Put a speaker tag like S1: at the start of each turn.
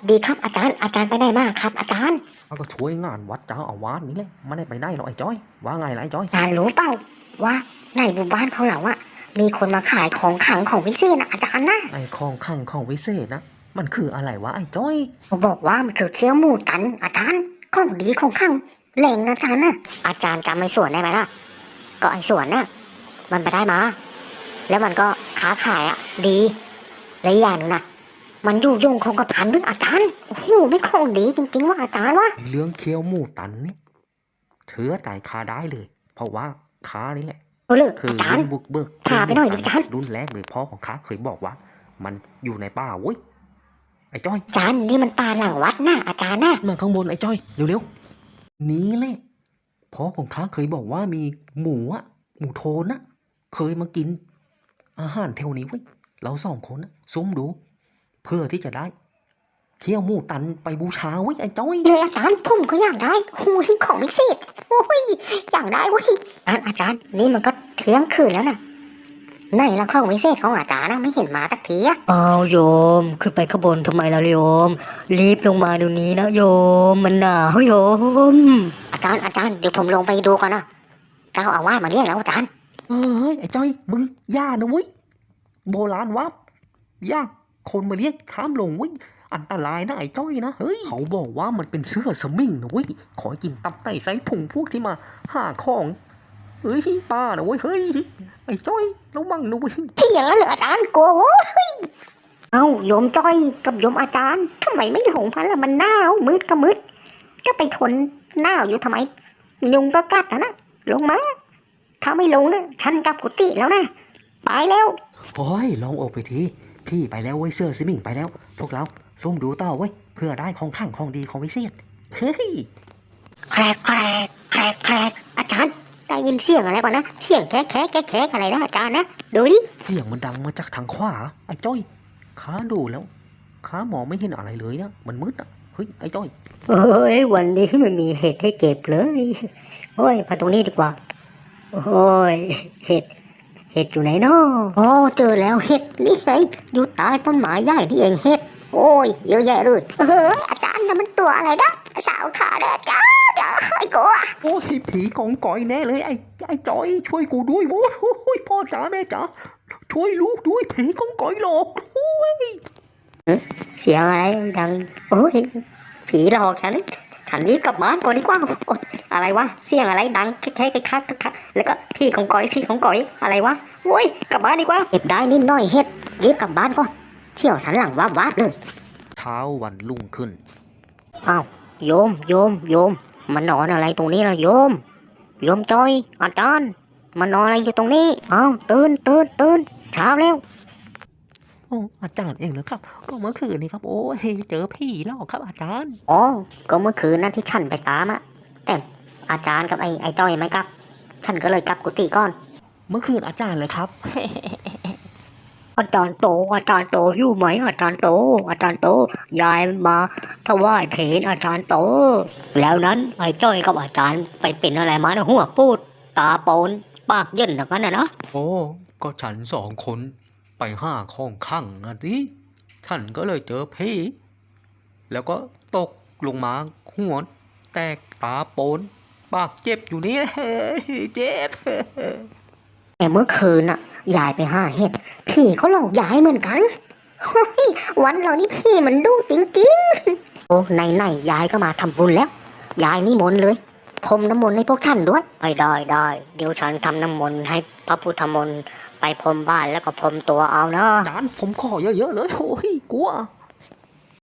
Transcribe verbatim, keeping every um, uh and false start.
S1: ดีครับอาจารย์อาจารย์ไปไหนมาครับอาจารย์
S2: มันก็ช่วยงานวัดเจ้าอาวาสนี่แหละไม่ได้ไปได้หรอกไอ้จ้อยว่าไงล่ะไอ้จ้อย
S1: อาจารย์รู้เปล่าว่าในหมู่บ้านเขาเราอะมีคนมาขายของขลังของวิเศษนะอาจารย์นะ
S2: ไอ้ของขังของวิเศษนะมันคืออะไรวะไอ้จ้อย
S1: เขาบอกว่ามันคือเคี้ยวหมูตันอาจารย์ของดีของขลังแหล่งอาจารย์นะอาจารย์จำไอ้สวนได้ไหมล่ะก็ไอ้สวนน่ะมันไปได้มาแล้วมันก็ค้าขายอะดีและอย่างนึงนะมันอยู่ยงคงกระพันด้วยอาจารย์โอ้โหไม่ของดีจริงๆว่าอาจารย์วะ
S2: เรื่องเคี้ยวหมูตันนี่เชื้อตายคาได้เลยเพราะว่าค้านี่แหละ
S1: เออเลย
S2: คือ
S1: อาจาร
S2: รุ่
S1: ย์
S2: นบุกเบิก
S1: พาไปหน่อยดิอาจารย์
S2: รุ่นแรกเลยพ่อของข้าเคยบอกว่า มันอยู่ในป่าเว้ยไอ้จ้อย
S1: อาจารย์นี่มันป่าหลังวัดนะอาจารย์นะ
S2: มาข้างบนไอ้จ้อยเร็วๆนี้แหละพ่อของข้าเคยบอกว่ามีหมูอะหมูโทนอะเคยมากินอาหารแถวนี้เว้ยเราสองคนอะซุ่มดูเพื่อที่จะได้เคี่ยวหมูตันไปบูชาเว้ยไอ้จ้อย
S1: เลยอาจารย์ผมก็อยากได้โอ้ยของพิเศษโอ้ยอยากได้เว้ยอาจารย์อาจารย์นี่มันก็เที่ยงคืนแล้วนะไหนละของพิเศษของอาจารย์นะไม่เห็นมาสักทีอะ
S3: อ้าวโยมขึ้นไปข้างบนทำไมล่ะโยมรีบลงมาเดี๋ยวนี้นะโยมมันหนาวโยม
S1: อาจารย์อาจารย์เดี๋ยวผมลงไปดูก่อนนะเจ้าอาวาสมาเรียกแล้วอาจารย์
S2: เฮ้ยไอ้จ้อยมึงย่านะเว้ยโบราณว่าย่าคนมาเรียกข้ามลงเว้ยอันตรายนะไอ้จ้อยนะเฮ้ยเขาบอกว่ามันเป็นเสื้อสมิงนะเว้ยขอกินตับไตไส้พุงพวกที่มาหาของเฮ้ยป้านะเว้ยเฮ้ยไอ้จ้อยระวังนะเว้ย
S1: ที่อย่างนั้นเหรออาจารย์กลัวโว้ยเอ้าโยมจ้อยกับโยมอาจารย์ทำไมไม่หลงพันละมันหนาวมืดก็มืดก็ไปทนหนาวอยู่ทำไมยุงก็กัดนะนะลงมาถ้าไม่ลงนะฉันกลับกุฏิแล้วนะไปแล้ว
S2: โอ้ยลองออกไปทีพี่ไปแล้วเว้ยเสื้อสมิงไปแล้วพวกเราซุ่มดูต่อเว้ยเพื่อได้ของข้างของดีของวิเศษเฮ้ย
S1: แครกแครกแครกแครกอาจารย์ได้ยินเสียงอะไรก่อนนะเสียงแครกแครกแครกอะไรนะอาจารย์นะดูดิ
S2: เสียงมันดังมาจากทางขวาไอ้จ้อยข้าดูแล้วข้ามองไม่เห็นอะไรเลยนะมันมืดอ่ะเฮ้ยไอ้จ้อย
S3: เอ้ยวันนี้ไม่มีเห็ดให้เก็บเลยโอ้ยมาตรงนี้ดีกว่าโอ้ยเห็ดเห็ดอยู่ไหนเนาะ
S1: อ๋อเจอแล้วเห็ดนี่ไงอยู่ใต้ต้นไม้ใหญ่ที่เองเห็ดโอ้ยเยอะแยะเลยเอออาจารย์นั่นมันตัวอะไรนะสาวขาเด้อจ้าเดี๋ยวไอ้กลัว
S2: โอ้ยผีกองก่อยแน่เลยไอ้ไอ้จ้อยช่วยกูด้วยโอ้ยพ่อจ๋าแม่จ๋าช่วยลูกด้วยผีกองก่อยหลอกโอ้ย
S3: เสียงอะไรดังโอ้ยผีหลอกฉันฉันรีบกลับบ้านก่อนดีกว่าอะไรวะเสียงอะไรดังแค่แค่แค่แค่แล้วก็พี่ของก้อยพี่ของก้อยอะไรวะโอ้ยกลับบ้านดีกว่า
S1: เก็บได้นิดหน่อยเห็ดรีบกลับบ้านก่อนเที่ยวสันหลังวาบวาบเลย
S2: เช้าวันรุ่งขึ้น
S1: อ้าวโยมโยมโยมมันนอนอะไรตรงนี้ล่ะโยมโยมจอยอาจารย์มันนอนอะไรอยู่ตรงนี้อ้าวตื่นตื่นตื่นเช้าแล้ว
S2: โอ้อาจารย์เองเหรอครับก็เมื่อคืนนี้ครับโอ้ยเจอผีหลอกครับอาจารย์
S1: อ๋อก็เมื่อคืนนั้นที่ฉันไปตามอะแต่อาจารย์กับไอ้ไอ้จ้อยไม่กลับฉันก็เลยกลับกุฏิก่อน
S2: เมื่อคืนอาจารย์เลยครับ
S3: อาจารย์โตอาจารย์โตอยู่ไหมอาจารย์โตอาจารย์โตยายมาถวายเพลอาจารย์โตแล้วนั้นไอ้จ้อยกับอาจารย์ไปเป็นอะไรมานะหัวปูดตาโปนปากเย็นอย่างนั้นนะนะ
S2: โอ้ก็ฉันสองคนไปห้าข้องขังอ่ะดิฉันก็เลยเจอผีแล้วก็ตกลงมาหัวแตกตาโปนปากเจ็บอยู่นี่เจ็บ
S1: แต่เมื่อคืนน่ะยายไปห้าเห็ดผีเขาหลอกยายเหมือนกันวันเรานี่พี่มันดุจริงๆโอ้ไหนไหนยายก็มาทำบุญแล้วยายนี่มนต์เลยพรมน้ำมนต์ให้พวกท่านด้วย
S3: ไม่ได้ได้เดี๋ยวฉันทำน้ำมนต์ให้พระพุทธมนต์ไปพรมบ้านแล้วก็พรมตัวเอานะ
S2: จานผมขอเยอะๆเลยโอ้ยกลัว